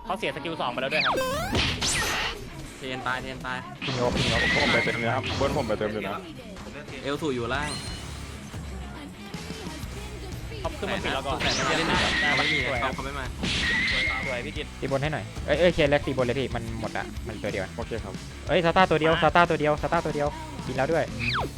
เขาเสียสกิล2ไปแล้วด้วยครับเทนตายพิงเอาผมไปเต็มเลยครับบนผมไปเต็มเลยนะเอลสูอยู่ล่างเขาขึ้นมาปิดแล้วก็แต่ไม่ได้นะไม่มีนะเขาไม่มาสวยพี่กิตตีบนให้หน่อยเอ้ยเคลียร์แล็กตีบนเลยพี่มันหมดอะมันตัวเดียวโอเคครับเอ้ยซาต้าตัวเดียวกินแล้วด้วย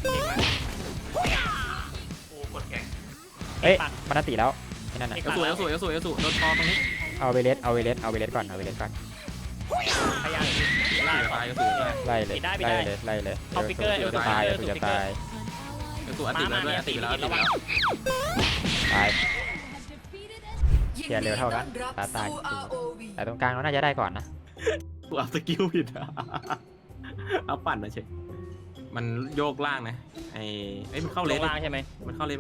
เอ้ยมันนันตีแล้วไอ้นั่นน่ะเอลสูโดนคอตรงนี้เอาเวเลสก่อนพยายามล่างตายเอลสูเลยไล่เลยเอาฟิกเกอร์จะตายเอลสูอัดติดแล้วด้วยอัดติดแล้วตายเคลียร์เร็วเท่ากันตายแต่ตรงกลางเราน่าจะได้ก่อนนะกูอัพสกิลผิดเอาปั่นมาเช็คมันโยกล่างนะไอ้มันเข้าเลนล่างใช่ไหมมันเข้าเลน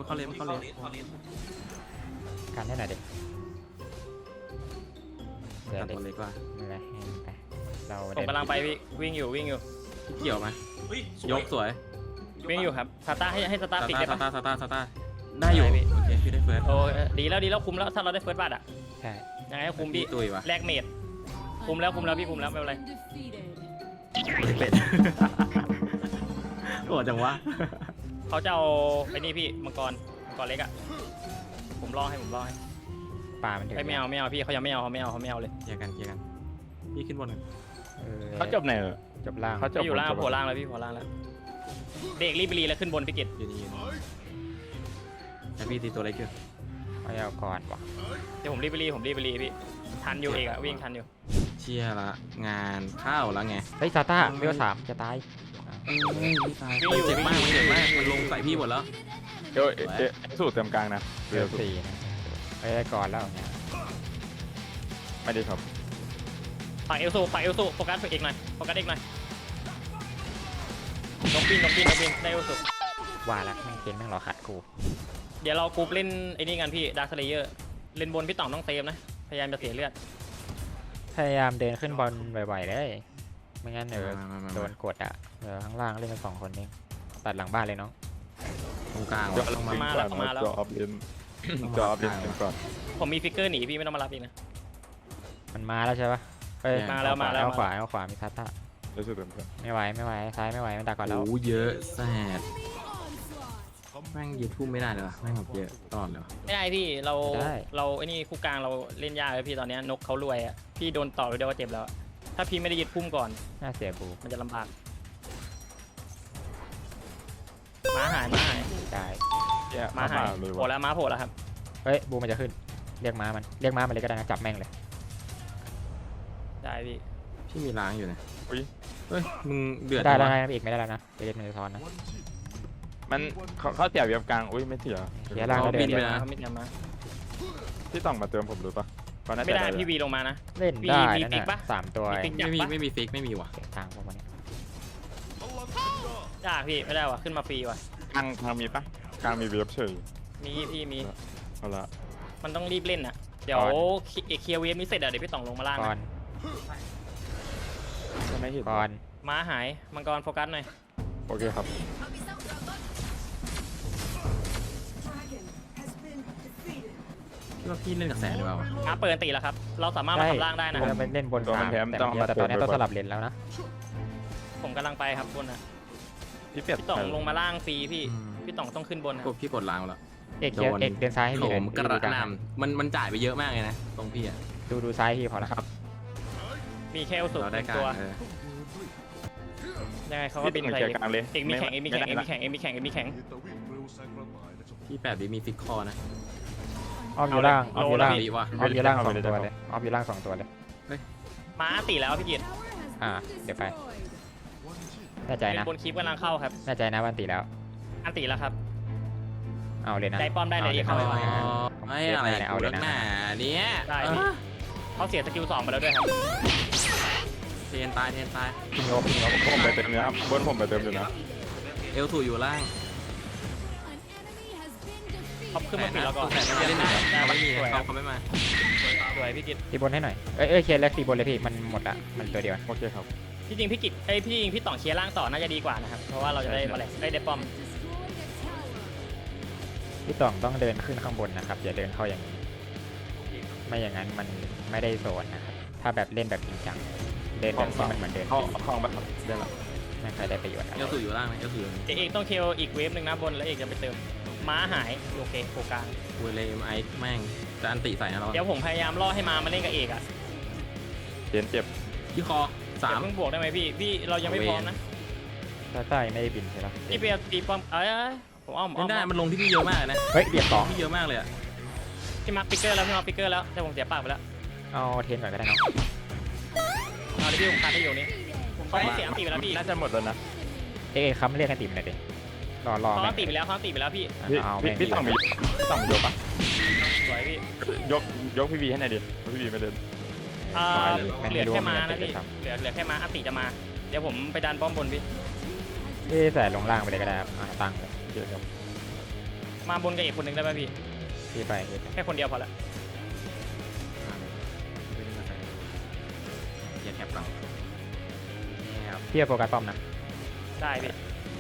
การให้หน่อยดิเดี๋ยวตัดตัวเล็กว่าไม่เป็นไรไปเราผมกำลังไปพี่วิ่งอยู่เกี่ยวไหมยกสวยวิ่งอยู่ครับซาต้าให้ซาต้าซาปิดต้าได้ปะได้อยู่โอเคพี่ได้เฟิร์สโอ้ดีแล้วคุมแล้วถ้าเราได้เฟิร์สบัตรอ่ะใช่ยังไงก็คุมพี่ตุยวะแลกเมดคุมแล้วพี่คุมแล้วไม่เป็นไรเป็ดโอ้จังวะเขาจะเอาไอ้นี่พี่มังกรเล็กอ่ะผมรอให้ป่ามันถึงไม่เอาพี่เขายังไม่เอาเลยเคลียร์กันพี่ขึ้นบนเขาจบไหนจบล่างเขาจบพี่อยู่ล่างโผล่ล่างแล้วพี่โผล่ล่างแล้วเด็กรีบไปรีแล้วขึ้นบนพี่กิตยืนแต่พี่ตีตัวเล็กอยู่เอาก่อนวะเดี๋ยวผมรีบไปรีพี่ทันอยู่เอกอะวิ่งทันอยู่เชียร์ละงานเข้าแล้วไงเฮ้ยซาต้าเวล3จะตายมันเจ็บมากมันลงใส่พี่หมดแล้วเดี๋ยวสูตรเต็มกลางนะเวล4นะไปได้ก่อนแล้วเนี่ยไม่ดีครับฝั่งเอลซูโฟกัสเอกหน่อยลงปินได้เอลซูว่าแล้วแม่งเกมแม่งรอขัดกูเดี๋ยวเรากรุ๊ปเล่นไอ้นี่กันพี่ดาร์คเลเยอร์เล่นบนพี่ต่องต้องเซฟนะพยายามจะเสียเลือดพยายามเดินขึ้นบอลบ่อยๆเลยไม่งั้นโดนกดอ่ะข้างล่างเล่นกัน2 คนเองตัดหลังบ้านเลยน้องตรงกลางจอออฟเลนก่อนผมมีฟิกเกอร์หนีพี่ไม่ต้องมารับอีกนะมันมาแล้วใช่ปะเอ้ยมาแล้วเอาขวามีซาต้ารู้สึกเต็มเพื่อนไม่ไหวซ้ายไม่ไหวมันดักก่อนแล้วโอ้เยอะแสบแม่งยืดทุ่มไม่ได้เลยวะแม่งแบบเยอะตลอดเลยวะไม่ได้พี่เราไอ้นี่คู่กลางเราเล่นยากเลยพี่ตอนนี้นกเขารวยอ่ะพี่โดนต่อไปเดียวก็เจ็บแล้วถ้าพี่ไม่ได้ยึดพุ่มก่อนน่าเสียบูมันจะลำบากม้าหายได้ม้าหายเลยโผล่แล้วครับเฮ้ยบูมันจะขึ้นเรียกม้ามันเลยก็ได้นะจับแม่งเลยได้พี่พี่มีล้างอยู่นะอุ้ยเฮ้ยมึงเดือดได้แล้วนะอีกไม่ได้แล้วนะไปเล่นมันจะซ้อนนะมันเขาเสียเวียบกลางอุ้ยไม่เสียเสียล่างก็เดินเขาไม่มาพี่ต้องมาเติมผมรู้ปะไม่ได้พี่วีลงมานะเล่นได้มีนั่นฟิกปะน่ะ3 ตัวไม่มีฟิกไม่มีว่ะเสียทางพวกมันยากพี่ไม่ได้ว่ะขึ้นมาฟรีว่ะกลางมีปะกลางมีเวียบเฉยมีพี่มีเอาละมันต้องรีบเล่นอ่ะเดี๋ยวเคลียร์เวฟนี้เสร็จเดี๋ยวพี่ต่องลงมาล่างก่อนไม่เห็นก่อนม้าหายมังกรโฟกัสหน่อยโอเคครับคิดว่าพี่เล่นกับแสนหรือเปล่าวะม้าเปิดตีแล้วครับเราสามารถมาทำล่างได้นะคเรารับไปเล่นบนกลางแต่ตอนนี้ต้องสลับเลนแล้วนะผมกำลังไปครับบนนะพี่เปียกพี่ต่องลงมาล่างฟรีพี่ต่องต้องขึ้นบนนะพี่กดล้างแล้วเอกเดินซ้ายให้โถพี่มกระหน่ำมันจ่ายไปเยอะมากเลยนะตรงพี่อ่ะดูซ้ายพี่พอแล้วครับมีแค่สุดเราได้การตัวยังไงเขาก็พี่บินต้องใส่เกียร์กลางเลยเอกมีแข่งพี่8วิมีฟิกคอนะออฟอยู่ล่างออฟอยู่ล่างดีว่ะออฟอยู่ล่าง2 ตัวเลยออฟอยู่ล่าง2 ตัวเลยม้าตีแล้วพี่กิตเดี๋ยวไปแน่ใจเป็นนะบนคลิปกำลังเข้าครับแน่ใจนะวันตีแล้วอันตีแล้วครับเอาเลยนะได้ป้อมได้เลยเข้าไปไอ้อะไรเอาเลยนะเนี่ยได้พี่เขาเสียสกิล2ไปแล้วด้วยครับเทนตายพิงเอาผมไปเต็มเลยครับบนผมไปเต็มอยู่นะเอลสูอยู่ล่างเขาขึ้นมาปิดแล้วก็แต่ไม่ได้นะไม่มีสวยเขาไม่มาสวยพี่กิตตีบนให้หน่อยเอ้ยเคลียร์แล็กตีบนเลยพี่มันหมดอ่ะมันตัวเดียวโอเคครับที่จริงพี่กิตพี่ต่องเคลียร์ล่างต่อน่าจะดีกว่านะครับเพราะว่าเราจะได้มาแหลกได้ป้อมพี่ต่องต้องเดินขึ้นข้างบนนะครับอย่าเดินเข้าอย่างนี้ไม่อย่างนั้นมันไม่ได้โซนนะครับถ้าแบบเล่นแบบจริงจังเล่นแบบที่มันเหมือนเดิมเข้าห้องแบบได้ละไม่ค่อยได้ประโยชน์อะไรเอลสูอยู่ล่างนะเอลสูอยู่เอกต้องเคลอีกเวฟหนึ่งนะบนแล้วเอกจะไปเติมม้าหายโอเคโคกลางเวเลมไอแม่งจะอันติใส่นะเราเดี๋ยวผมพยายามล่อให้มาเล่นกับเอกอ่ะเจ็บเจ็บที่คอเดี๋ยว 3 เพิ่งบวกได้ไหมพี่เรายังไม่พร้อมนะซาต้ายังไม่ได้บินใช่ปะพี่เปียตีป้อมผมอ้อมเล่นได้มันลงที่พี่เยอะมากนะเฮ้ยเรียบสองพี่เยอะมากเลยอะพี่มาร์คปิกเกอร์แล้วพี่มาร์คปิกเกอร์แล้วแต่ผมเสียปากไปแล้วเอาเทนก่อนก็ได้เนาะเอาดิพี่ผมคัดให้อยู่นี่ผมเขาเสียอันตีไปแล้วพี่น่าจะหมดแล้วนะเอ๊ะคำเรียกกันติ่มหน่อยดิรอเขาแม่อันตีไปแล้วเขาอันตีไปแล้วพี่เอาพี่แม่งพี่ต้องมียกปะสวยพี่ยกพี่วีให้หน่อยดิพี่วีไม่เดินเหลือแค่มานะพี่เหลือแค่มาอันตีจะมาเดี๋ยวผมไปดันป้อมบนพี่พี่ใส่ลงล่างไปเลยก็ได้ครับตั้งเลยเดี๋ยวครับมาบนกับอีกคนหนึ่งได้ไหมพี่พี่ไปแค่คนเดียวพอละเกียร์แคปก่อนนี่ครับพี่โฟกัสป้อมนะได้พี่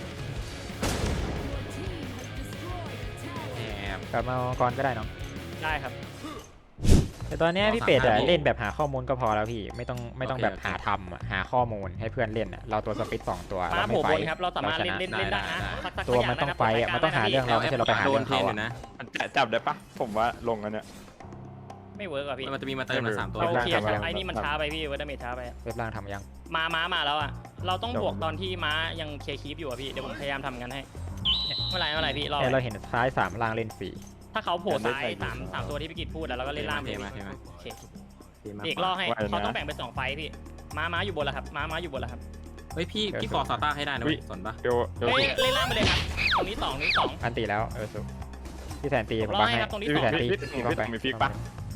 แอบกลับมาก่อนก็ได้เนาะได้ครับแต่ตอนเนี้ยพี่เป็ดอะเล่นแบบหาข้อมูลก็พอแล้วพี่ไม่ต้องแบบหาทำอะหาข้อมูลให้เพื่อนเล่นอะเราตัวสปิด2ตัวมาเราโผไม่ล่ไฟบนครับเราสามารถเล่นได้นะตัวมันต้องไฟอะมันต้องหาเรื่องเราไม่ใช่เราไปหาโดเรื่นองเทรเขานออะยู่นะมันจับได้ปะผมว่าลงกันเนี่ยไม่เวิร์กอ่ะพี่มันจะมีมาเติมมา3ตัวเราล่างเคลียร์ทำยังไอ้นี่มันช้าไปพี่เวอร์ดเมจช้าไปเว็บล่างทำยังมาแล้วอ่ะเราต้องบวกตอนที่ม้ายังเคลียร์คีปอยู่อ่ะพี่เดี๋ยวผมพยายามทำกันให้เมื่อไหร่พี่รอเนี่ยเราเห็นซ้าย3ล่างเล่นฟรีถ้าเขาโผล่ซ้ายสามตัวที่พี่กิตพูดแล้วเราก็เล่นล่างไปเทมาโอเคเอกล่อให้เขาต้องแบ่งเป็น2ไฟพี่ม้าอยู่บนแล้วครับม้าอยู่บนแล้วครับเฮ้ยพี่ฟอร์ซาต้าให้ได้นะสนปะเดี๋ยวเฮ้ยเล่นล่างไปเลยครับตรงนี้2 อันตีแล้วสุพี่แสนตีผมรอบังให้ให้ครับตรงนี้พี่แสนตีพี่ต้องมีฟิกปะ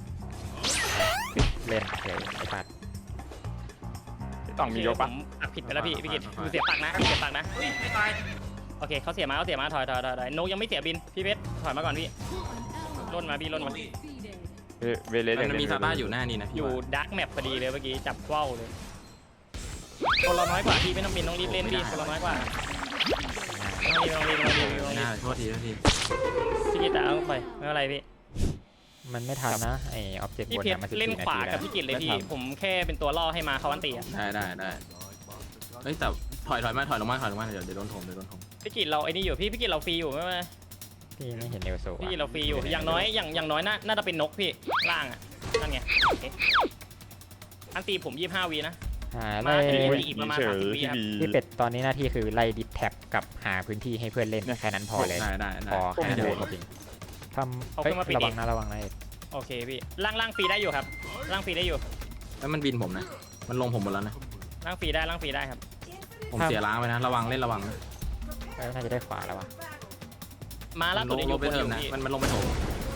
เล่นเฉยไอ้ปัดพี่ต้องมียกปะผมอัดผิดไปแล้วพี่กิตคือเสียปากนะเสียปากนะเฮ้ยไม่ตายโอเคเขาเสียมาถอยนกยังไม่เสียบินพี่เพชรถอยมาก่อนพี่ล่นมาพี่ล่นมาเวเลสมันมีซาต้าอยู่หน้านี่นะอยู่ดาร์กแมปพอดีเลยเมื่อกี้จับว่าวเลยคนเราน้อยกว่าพี่ไม่ต้องบินต้องรีบเล่นพี่คนเราน้อยกว่าต้องรีบไม่น่าโทษทีพี่กิตเอาไปไม่เป็นไรพี่มันไม่ทันนะไอออบเจกต์พี่บนเพชเนี่ยรมัน14 เล่นนาขวาทีกัแล้บวพี่กิตเลยพี่ผมแค่เป็นตัวล่อให้มาเขาอันตีอ่ะได้เฮ้ยแต่ถอยลงมาเดี๋ยวโดนถมพี่กิตเราไอ้นี่อยู่พี่กิตเราฟรีอยู่ไม่เป็นไรพี่ไม่เห็นเอลโซพี่กิตเราฟรีอยู่อย่างน้อยน่าจะเป็นนกพี่ล่างอ่ะนั่นไงอันตีผม25วีนะไล่อีกประมาณเฉย 30วิพี่ครับวีพี่เป็ดตอนนี้หน้าที่คือไล่ดิสแท็บกับหาพื้นที่ให้เพื่อนเล่นแค่นั้นพอเลยได้พอแค่นั้นเลยจริงทำเฮ้ยระวังนะโอเคพี่ล่างฟรีได้อยู่ครับล่างฟรีได้อยู่แล้วมันบินผมนะมันลงผมหมดแล้วนะล่างฟรีได้ครับผมเสียล้างไปนะระวังน่าจะได้ขวาแล้ววะมาล่าสุดยังอยู่ไปบนเติอมยู่นะพี่มันลงไปโถม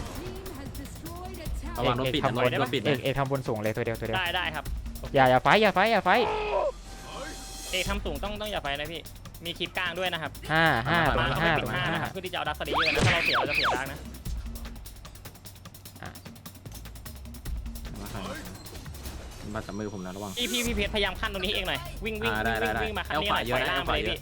ระวังโดนปิดนะโดนปิดนะเอกทำบนสูงเลยตัวเดียวได้ครับอย่าไฟเอกทำสูงต้องอย่าไฟนะพี่มีคลิปกลางด้วยนะครับ 5 ตรงมานี้เขาไม่ 5 ปิตดรงนี้ 5นะครับเพื่อที่จะเอาดักสตีเยอะนะถ้าเราเสียเราจะเสียดักนะมาจับมือผมนะระวังพี่เพชรพยายามขั้นตรงนี้เองหน่อยวิ่งมาขั้นนี้หน่อยปล่อยล่างไปเลยพี่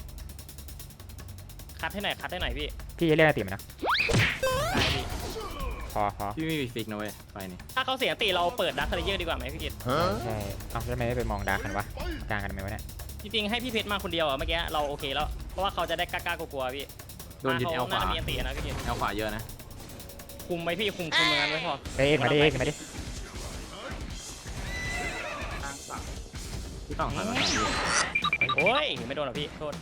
คัดให้หน่อยพี่พี่จะเล่นอะไรติมันนะได้พี่พอพี่ไม่มีฟิกนะเว้ยไปนี่ถ้าเขาเสียตีเราเปิดดักสตีเยอะดีกว่าไหมพี่กิตใช่เอาแล้วทำไมไม่ไปมองดาร์กกันวะกลางกันทำไมวะเนี่ยจริงๆให้พี่เพชรมาคนเดียวอ่ะเมื่อกี้เราโอเคแล้วเพราะว่าเขาจะได้กล้ากลัวพี่โดนยึดแอลขวาน่าจะมีอันตีนะพี่กิตแอลขวาเยอะนะคุมไหมพี่คุมเหมือนกันไว้พอเอกมาดิพี่ต้องถอยมาโอ้ยไม่โดนหรอพี่โทษ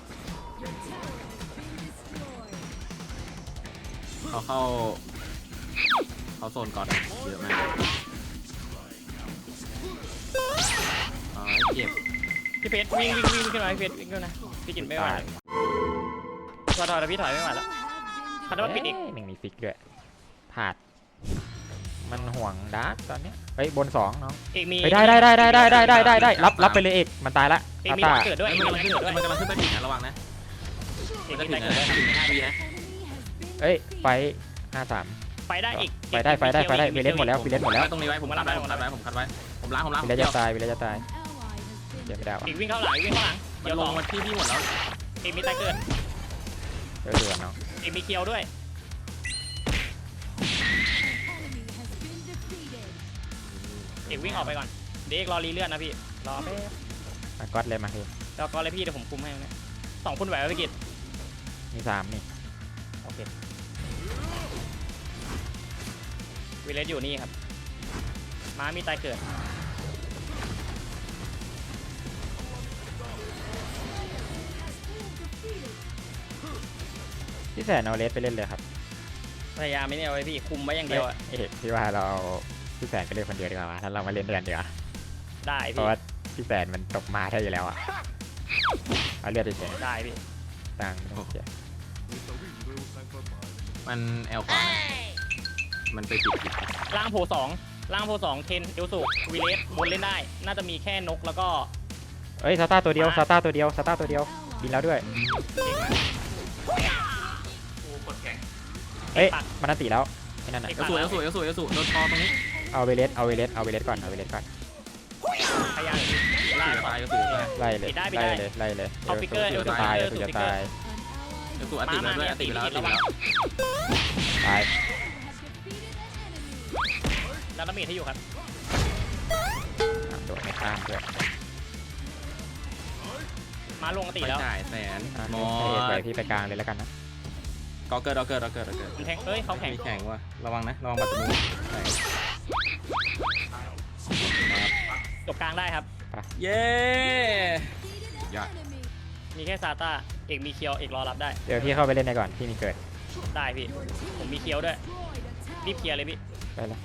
เขาโซนก่อนเยอะมากเจ็บพี่เพชรวิ่งขึ้นมาพี่เพชรวิ่งขึ้นนะพี่กิตไม่ไหวถอยพี่ถอยไม่ไหวแล้วคันว่าปิดอีกหนึ่งมีฟิกด้วยผาดมันห่วงดาร์กตอนนี้เฮ้ยบน2น้องเอกมีได้รับไปเลยเอกมันตายละเอกมีตาเกิดด้วยมันกำลังขึ้นไปถึงนะระวังนะเอกมันมีจะได้ถึงเกิดด้วยนะถึง5 วินะเอ้ยไฟ53 ไปได้อีกไปได้เวเลสหมดแล้วตรงนี้ไว้ผมคัดไว้ผมล้างเวเลสจะตายเจ็บไม่ได้วะเอกวิ่งเข้าหลังเดี๋ยวลลงงมาที่พี่หมดแล้วเอกมีได้เกิดเดือดน้องเอกมีเคียวด้วยเอกวิ่งออกไปก่อนเด็กรอรีเลื่อนนะพี่รอแป๊บมาก๊อตเลยมาพี่แล้วก็เลยพี่เดี๋ยวผมคุมให้นะ2 คนไหวไหมพี่กิตมี3นี่โอเควิเลสอยู่นี่ครับม้ามีตายเกิดพี่แสนเอาเลสไปเล่นเลยครับพยายามไม่เนี่ยเอาไว้พี่คุมไว้อย่างเดียวอะเอ๊ะพี่ว่าเราเอาพี่แสนไปเล่นคนเดียวดีกว่าวะถ้าเรามาเล่นด้วยกันดีกว่าได้เพพี่ราะว่าพี่แสนมันตกมาได้อยู่แล้วอ่ะเอาเลือดเฉยได้พี่ๆตังค์ไม่ต้องเสียมันแอลขวานะมันไปปิดล่างโพ2ล่างโพ2เทนเอลสุวิเลสบนเล่นได้ น่าจะมีแค่นกแล้วก็เอ้ยซาต้าตัวเดียวซาต้าตัวเดียวซาต้าตัวเดียวบินแล้วด้วยเอกมาเอ้ยมันอันติแล้วไอ้นั่นน่ะเอลสูโดนคอตรงนี้เอาเวเลสก่อนเอาเวเลสก่อนพยายามล่าล่าตายเอลสูตายไล่เลยปิดได้ไล่เลยไล่เลยเอาฟิกเกอร์เดี๋ยวจะเอาฟิกเกอร์ตายเอาเดี๋ยวฟิจะกเกอร์ตายเอลสูอัดติดแล้วด้วยอัดติดแล้วอัดติดแล้วตายแล้วน้ำมีดให้อยู่ครับโดดไม่ข้ามด้วยมาลงตีไปแล้วจ่ายแสนอ่ะมอให้เอกไปพี่ไปกลางเลยแล้วกันนะก็เกิดมันแทงเอ้ยเขาแข่งมีแข่งว่ะระวังนะระวังบัตรมือแข่งจบกลางได้ครับเย้ยอดมีแค่ซาต้าเอกมีเคียวเอกรอรับได้เดี๋ยวพี่เข้าไปเล่นในก่อนพี่มีเกิดได้พี่ผมมีเคียวด้วยรีบเคลียร์เลยพี่ไปเลย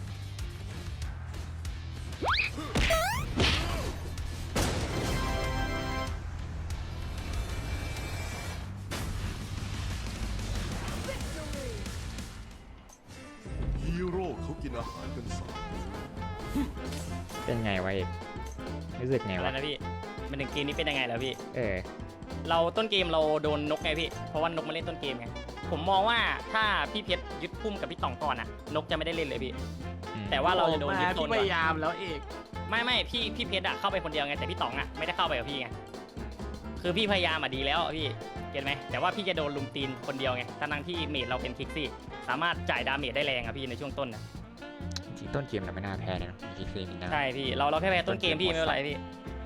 ฮีโร่เขากินอาหารกันสามเป็นไงวะเอกรู้สึกไงอะไรวะนะพี่มันถึงเกมนี้เป็นยังไงแล้วพี่เออเราต้นเกมเราโดนนกไงพี่เพราะว่านกมาเล่นต้นเกมไงผมมองว่าถ้าพี่เพชรยึดพุ่มกับพี่ต่องก่อนอะนกจะไม่ได้เล่นเลยพี่ แต่ว่าเราจะโดนยึดต้นพก่อนยายามแล้วเอกไม่พี่เพชรอะเข้าไปคนเดียวไงแต่พี่ต๋องอะไม่ได้เข้าไปกับพี่ไงคือพี่พยายามอะดีแล้วอะพี่เก็ตไหมแต่ว่าพี่จะโดนลุมตีนคนเดียวไงทั้งที่เมจเราเป็นคิกซี่สามารถจ่ายดาเมจได้แรงอะพี่ในช่วงต้นนะจริงๆต้นเกมเราไม่น่าแพ้เลยเนาะมีคิกซี่มีน่าใช่พี่เราแค่แพ้ต้นเกมพี่ไม่เป็นไรพี่